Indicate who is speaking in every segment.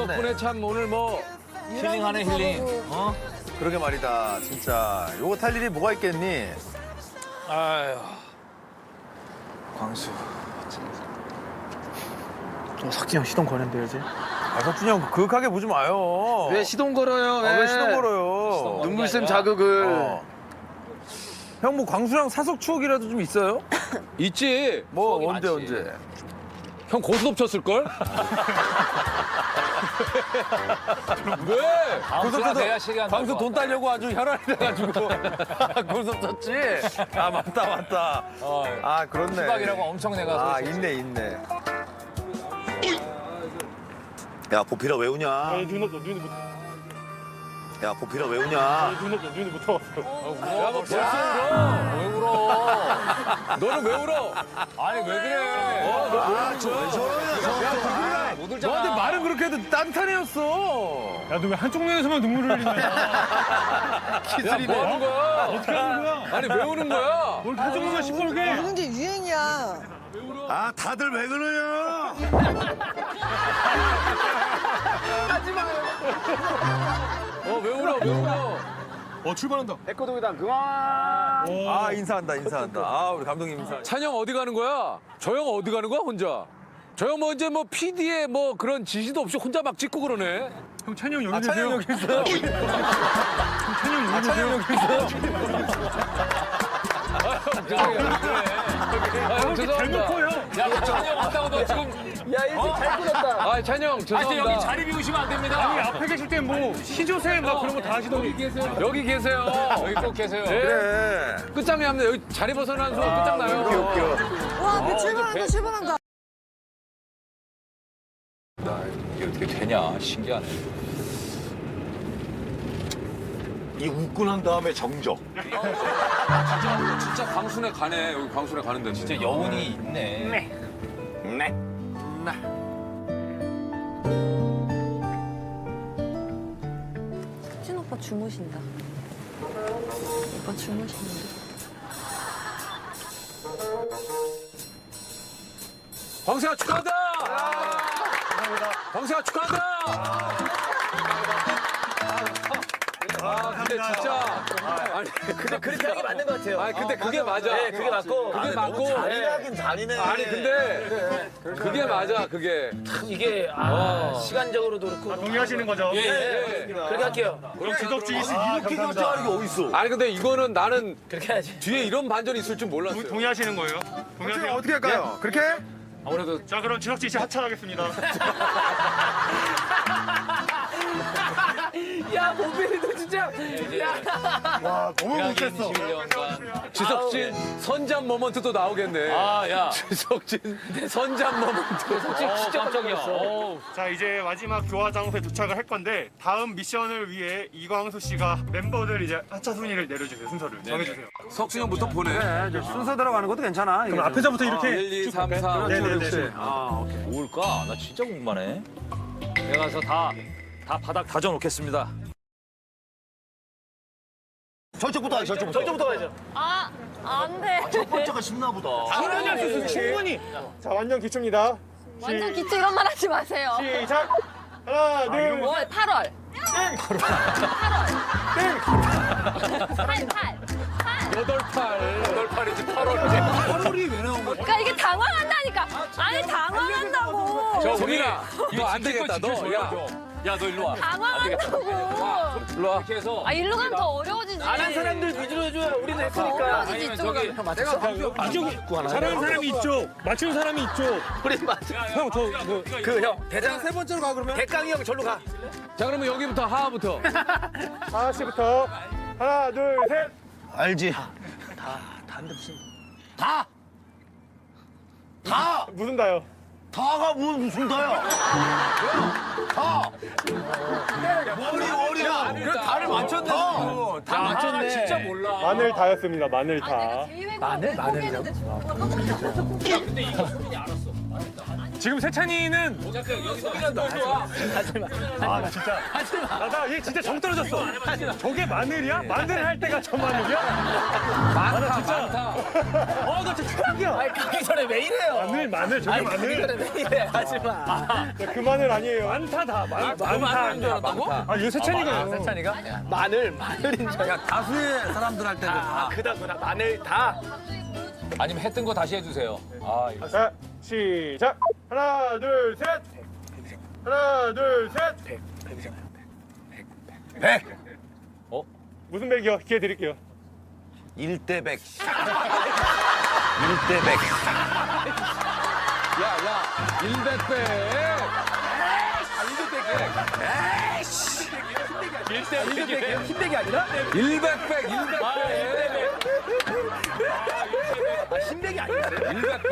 Speaker 1: 덕분에 참 오늘 뭐 힐링하네 힐링. 어?
Speaker 2: 그러게 말이다, 진짜. 요거 탈 일이 뭐가 있겠니?
Speaker 1: 아유.
Speaker 3: 광수. 석진이 형 시동 거는데 요새?
Speaker 2: 아, 석준이 형 그윽하게 보지 마요.
Speaker 1: 왜 시동 걸어요?
Speaker 2: 왜 시동 걸어요?
Speaker 1: 눈물샘 자극을.
Speaker 2: 형 뭐 광수랑 사석 추억이라도 좀 있어요?
Speaker 1: 있지.
Speaker 2: 뭐 언제?
Speaker 1: 형 고스톱 쳤을걸? 왜?
Speaker 2: 고스톱 광수 돈 따려고 아주 혈안이 돼가지고 고스톱 쳤지? 아 맞다. 아 그렇네.
Speaker 1: 수박이라고 엄청 내가.
Speaker 2: 아 있네.
Speaker 4: 야 보필아 왜 우냐? 야 보필아 왜 우냐?
Speaker 5: 눈이 못 떠왔어.
Speaker 1: 야, 너 벌써 울어? 왜 울어? 너는 왜 울어? 아니, 왜 그래?
Speaker 4: 아, 저왜 저러냐?
Speaker 1: 못 울잖아.
Speaker 2: 너한테 말은 그렇게 해도 딴탄이었어.
Speaker 5: 야, 너 왜 한쪽 눈에서만 눈물을 흘리냐?
Speaker 1: 야, 뭐 하는 거야?
Speaker 5: 어떻게 하는 거야?
Speaker 1: 아니, 왜 우는 거야?
Speaker 5: 뭘 한쪽 눈만 시뻘게?
Speaker 6: 우는 게 유행이야.
Speaker 4: 아 다들 왜 그러냐?
Speaker 1: 왜 울어?
Speaker 5: 출발한다.
Speaker 2: 아 인사한다. 아 우리 감독님 인사.
Speaker 1: 찬영 어디 가는 거야? 저 형 어디 가는 거야, 혼자? 저 형 뭐 이제 뭐 PD의 뭐 그런 지시도 없이 혼자 막 찍고 그러네.
Speaker 5: 형 찬이 형 여기
Speaker 2: 아 찬영
Speaker 5: 계세요?
Speaker 2: 여기 있어요.
Speaker 5: 찬이 형 여기 계세요?
Speaker 1: 형 죄송합니다.
Speaker 5: 대놓고 형.
Speaker 1: 야, 찬영 왔다고 너 지금. 야, 일찍 잘 끊었다. 아, 찬영 죄송합니다.
Speaker 7: 여기 자리 비우시면 안 됩니다.
Speaker 5: 아니 앞에 계실 때 뭐 시조새 막 그런 거 다 하시더니.
Speaker 1: 여기 계세요.
Speaker 7: 여기 꼭 계세요.
Speaker 1: 네.
Speaker 2: 그래.
Speaker 1: 끝장이 합니다. 여기 자리 벗어나는 순간 끝장나요.
Speaker 2: 웃겨.
Speaker 6: 와, 앞에 출발한다.
Speaker 7: 이게 어떻게 되냐. 신기하네.
Speaker 4: 이 웃고 난 다음에 정적.
Speaker 1: 진짜 광순에 가네. 여기 광순에 가는데 진짜
Speaker 7: 여운이 있네.
Speaker 6: 진 오빠 주무신다. 오빠 주무시는데.
Speaker 1: 광수야 축하한다. 광수야 축하한다. 근데 진짜 아니
Speaker 7: 근데 그렇게 하는 게 맞는 것 같아요.
Speaker 1: 아니 근데 그게 맞아.
Speaker 7: 네, 그게 맞고.
Speaker 1: 그게 맞고.
Speaker 4: 잔인하긴 잔인해.
Speaker 1: 아니 근데 그게 맞아 그게.
Speaker 7: 참 이게 시간적으로도 그렇고.
Speaker 5: 동의하시는 거죠?
Speaker 7: 예. 그렇게 할게요.
Speaker 5: 그럼 지덕지 씨
Speaker 4: 이렇게 결정하는 게 어딨어?
Speaker 1: 아니 근데 이거는 나는
Speaker 7: 그렇게 해야지.
Speaker 1: 뒤에 이런 반전이 있을 줄 몰랐어요.
Speaker 5: 동의하시는 거예요? 동의하세요?
Speaker 2: 어떻게 할까요? 그렇게?
Speaker 1: 아무래도
Speaker 5: 자 그럼 지덕지 씨 하차하겠습니다.
Speaker 7: 야, 보빈이도 진짜.
Speaker 5: 와 너무
Speaker 7: 못했어. 21년간.
Speaker 1: 지석진 선잠 모먼트도 나오겠네.
Speaker 7: 아, 야.
Speaker 1: 지석진 선잠 모먼트.
Speaker 7: 진짜 깜짝이야.
Speaker 5: 자 이제 마지막 교화 장소에 도착을 할 건데 다음 미션을 위해 이광수 씨가 멤버들 이제 하차 순위를 내려주세요. 순서를 정해주세요.
Speaker 1: 석진 형부터 보내.
Speaker 2: 순서 들어가는 것도 괜찮아.
Speaker 5: 그럼 앞에서부터 이렇게
Speaker 1: 1, 2, 3, 4, 5, 6, 7.
Speaker 5: 네네네.
Speaker 7: 뭘까? 나 진짜 궁금하네. 내가 가서 다 바닥 다져놓겠습니다.
Speaker 4: 저쪽부터 하자, 저쪽부터.
Speaker 7: 저쪽부터 가야죠.
Speaker 6: 아, 안 돼.
Speaker 4: 첫 번째가 쉽나 보다.
Speaker 5: 충분히 할 수 있어. 충분히. 자 완전 기초입니다.
Speaker 6: 완전 기초 이런 말 하지 마세요.
Speaker 5: 시작. 하나 둘.
Speaker 6: 뭐, 8월. 8월. 8.
Speaker 1: 여덟 팔이지 8월이지.
Speaker 6: 그러니까 이게 당황한다니까. 아니, 당황한다고.
Speaker 1: 저 우리가 이거 안 되겠다. 너
Speaker 7: 야, 너 일로 와.
Speaker 6: 당황한다고.
Speaker 1: 일로 와.
Speaker 7: 이렇게 해서.
Speaker 6: 아, 일로 가면 더 어려워지지.
Speaker 7: 안 한 사람들 위주로 해줘요. 우리는 했으니까.
Speaker 6: 어려워지지, 이쪽으로 가면.
Speaker 5: 이쪽이 잘하는 사람이 이쪽, 맞추는 사람이 이쪽.
Speaker 7: 우리 맞아.
Speaker 5: 형 저
Speaker 7: 형 대장
Speaker 2: 세 번째로 가 그러면?
Speaker 7: 백강이 형 절로 가.
Speaker 1: 자 그러면 여기부터 하하부터.
Speaker 5: 하나 씨부터 하나 둘 셋.
Speaker 4: 알지? 다!
Speaker 5: 무슨 다요?
Speaker 4: 다가 무슨 다야? 다! 머리야!
Speaker 1: 그래 다를 맞췄네. 다 맞췄네.
Speaker 7: 진짜 몰라.
Speaker 5: 마늘 다였습니다. 마늘 다.
Speaker 6: 마늘? 마늘이요?
Speaker 7: 근데 이거 수빈이 알았어.
Speaker 5: 지금 세찬이는 나얘 진짜 정 떨어졌어. 저게 마늘이야? 마늘 할 때가 저 마늘이야?
Speaker 1: 많다 많다.
Speaker 5: 나 진짜 최악이야.
Speaker 3: 가기 전에 왜 이래요?
Speaker 5: 마늘 저게 마늘.
Speaker 3: 왜 이래? 하지 마.
Speaker 5: 그 마늘 아니에요. 많다 다. 많다.
Speaker 1: 많다.
Speaker 5: 이거 세찬이가.
Speaker 3: 세찬이가? 마늘인 줄 알고.
Speaker 2: 다수의 사람들한테는 다.
Speaker 3: 그다구나. 마늘 다.
Speaker 7: 아니면 했던 거 다시 해주세요. 아, 이거.
Speaker 5: 자, 시작. 하나, 둘, 셋. 하나, 둘, 셋.
Speaker 2: 100.
Speaker 5: 무슨 백이요? 기회 드릴게요.
Speaker 2: 1대 100. 1대 100.
Speaker 1: 야야 100배.
Speaker 3: 흰백이 아니라?
Speaker 1: 100배 100배.
Speaker 3: 흰백이 아니라?
Speaker 1: 100배.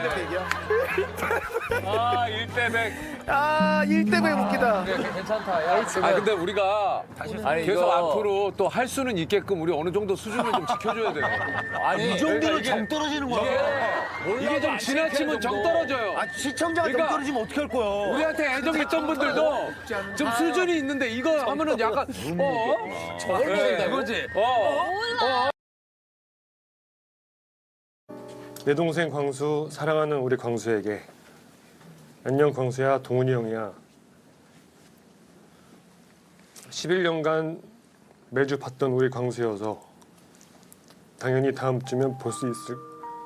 Speaker 7: 아, 1대 100.
Speaker 3: 아, 1대100 웃기다.
Speaker 7: 괜찮다. 야,
Speaker 1: 아 근데 우리가 계속 앞으로 또 할 수는 있게끔 우리 어느 정도 수준을 좀 지켜줘야 돼요.
Speaker 7: 아니,
Speaker 4: 이 정도로 정 떨어지는 거야.
Speaker 1: 이게 좀 지나치면 정 떨어져요.
Speaker 4: 아, 시청자가
Speaker 1: 그러니까
Speaker 4: 정 떨어지면 어떻게 할 거야?
Speaker 1: 우리한테 애정 있던 분들도 좀 수준이 있는데 이거 하면은 약간 저걸 모른다
Speaker 2: 이거지.
Speaker 8: 내 동생 광수, 사랑하는 우리 광수에게. 안녕 광수야, 동훈이 형이야. 11년간 매주 봤던 우리 광수여서 당연히 다음 주면 볼 수 있을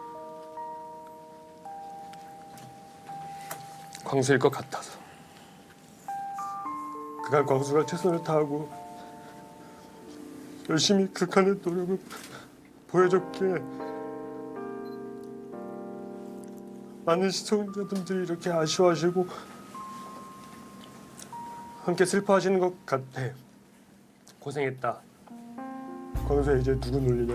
Speaker 8: 광수일 것 같아서. 그간 광수가 최선을 다하고 열심히 극한의 노력을 보여줬기에 많은 시청자분들이 이렇게 아쉬워하시고 함께 슬퍼하시는 것 같아. 고생했다. 광수야, 이제 누구 놀리냐?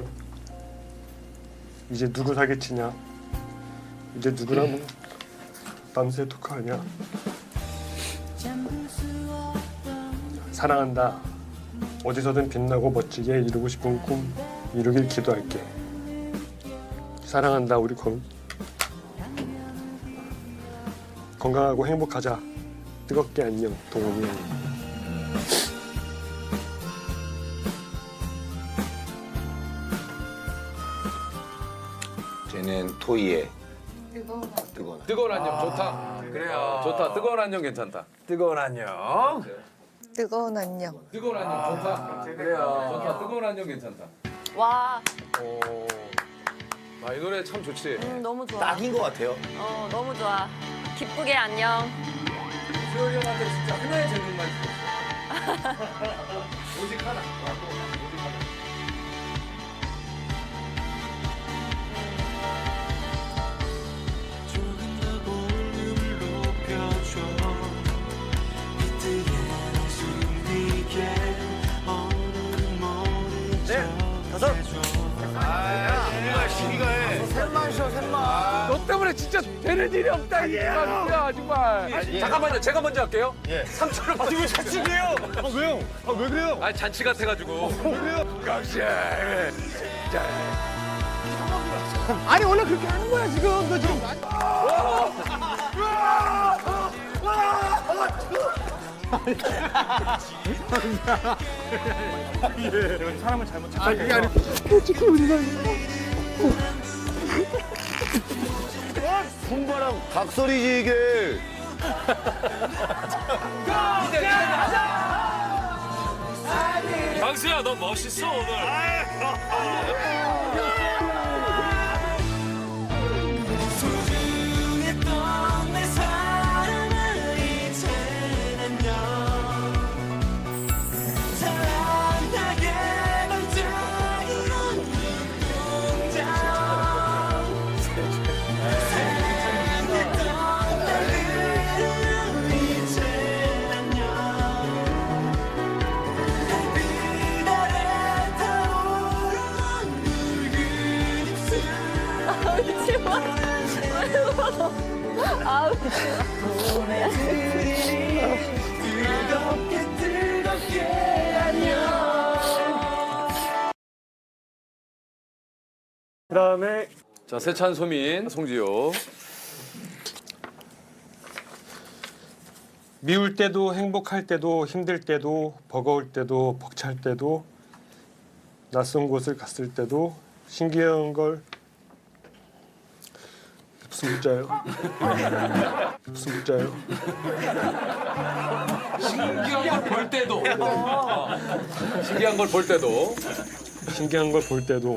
Speaker 8: 이제 누구 사기치냐? 이제 누구랑 밤새 토크하냐? 사랑한다. 어디서든 빛나고 멋지게 이루고 싶은 꿈 이루길 기도할게. 사랑한다, 우리 건강하고 행복하자. 뜨겁게 안녕, 동훈이 형.
Speaker 4: 쟤는 토이의
Speaker 1: 뜨거운 안녕 좋다. 그래요. 좋다. 뜨거운 안녕 괜찮다.
Speaker 2: 뜨거운 안녕.
Speaker 9: 뜨거운 안녕.
Speaker 1: 뜨거운 안녕 좋다. 그래요. 좋다. 뜨거운 안녕 괜찮다.
Speaker 6: 와,
Speaker 1: 아 이 노래 참 좋지.
Speaker 6: 너무 좋아.
Speaker 4: 딱인 것 같아요.
Speaker 6: 너무 좋아. 기쁘게 안녕.
Speaker 1: 수열이 형한테 진짜 하나의 질문만 주셨어. 오직 하나. 너 때문에 진짜 되는 일이 없다 이 말이야 정말. 잠깐만요. 제가 먼저 할게요. 3초를 지금 잔치게요.
Speaker 5: 왜요? 왜 그래요?
Speaker 1: 아니 잔치 같아가지고.
Speaker 5: 왜 그래요?
Speaker 3: 아니, 원래 그렇게 하는 거야, 지금. 너 지금.
Speaker 5: 사람을 잘못 찾아.
Speaker 3: 그게 아니고.
Speaker 4: 손바람 각설이지 이게.
Speaker 7: 광수야, 너 멋있어, 오늘.
Speaker 6: 아우,
Speaker 5: 그다음에
Speaker 1: 자 세찬, 소민, 송지효.
Speaker 8: 미울 때도 행복할 때도 힘들 때도 버거울 때도 벅찰 때도 낯선 곳을 갔을 때도 신기한 걸 무슨 문자예요? 무슨 문자예요?
Speaker 1: 신기한 걸 볼 때도. 신기한 걸 볼 때도.
Speaker 8: 신기한 걸 볼 때도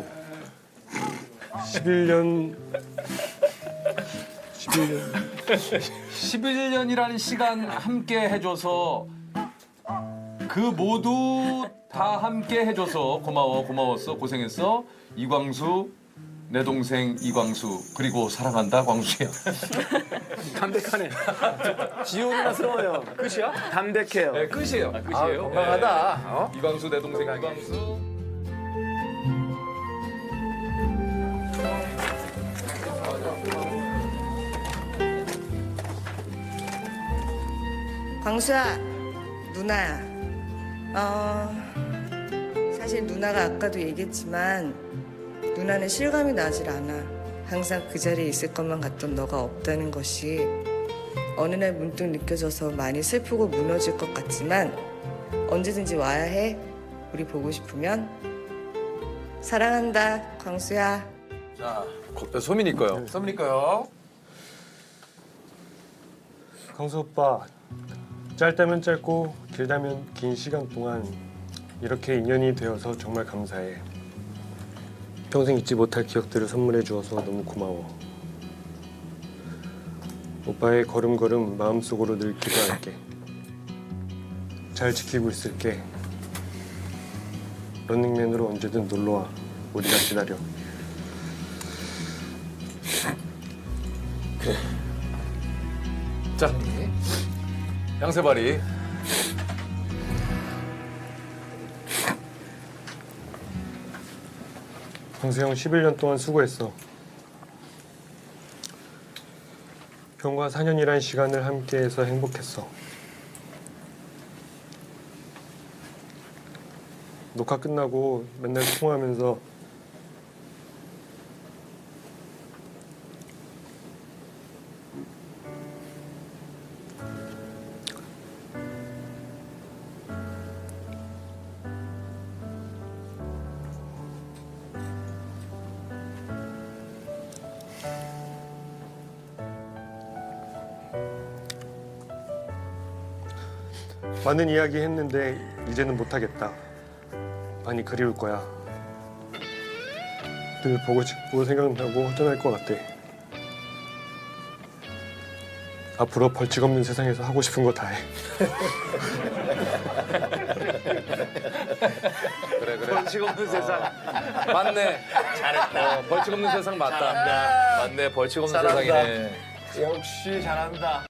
Speaker 2: 11년이라는 시간 함께 해줘서 그 모두 다 함께 해줘서 고마웠어, 고생했어. 이광수, 내 동생 이광수, 그리고 사랑한다 광수야.
Speaker 3: 담백하네. 지옥이나스러워요. 끝이야? 담백해요.
Speaker 1: 네, 끝이에요.
Speaker 2: 끝이에요?
Speaker 1: 건강하다. 어?
Speaker 2: 이광수, 내 동생 이광수.
Speaker 9: 광수야, 누나야. 사실 누나가 아까도 얘기했지만 누나는 실감이 나질 않아. 항상 그 자리에 있을 것만 같던 너가 없다는 것이 어느 날 문득 느껴져서 많이 슬프고 무너질 것 같지만 언제든지 와야 해. 우리 보고 싶으면. 사랑한다, 광수야.
Speaker 1: 자, 소민이 거요. 소민이 거요.
Speaker 8: 광수 오빠, 짧다면 짧고 길다면 긴 시간 동안 이렇게 인연이 되어서 정말 감사해. 평생 잊지 못할 기억들을 선물해 주어서 너무 고마워. 오빠의 걸음걸음 마음속으로 늘 기도할게. 잘 지키고 있을게. 런닝맨으로 언제든 놀러와. 우리가 기다려.
Speaker 1: 자, 양세바리.
Speaker 8: 광수 형 11년 동안 수고했어. 형과 4년이란 시간을 함께해서 행복했어. 녹화 끝나고 맨날 통화하면서 많은 이야기 했는데 이제는 못하겠다. 많이 그리울 거야. 늘 보고 싶고 생각나고 허전할 것 같아. 앞으로 벌칙 없는 세상에서 하고 싶은 거 다 해.
Speaker 1: 그래. 벌칙 없는 세상. 맞네. 잘했다. 벌칙 없는 세상 맞다. 맞네. 벌칙 없는 세상이네.
Speaker 2: 역시 잘한다.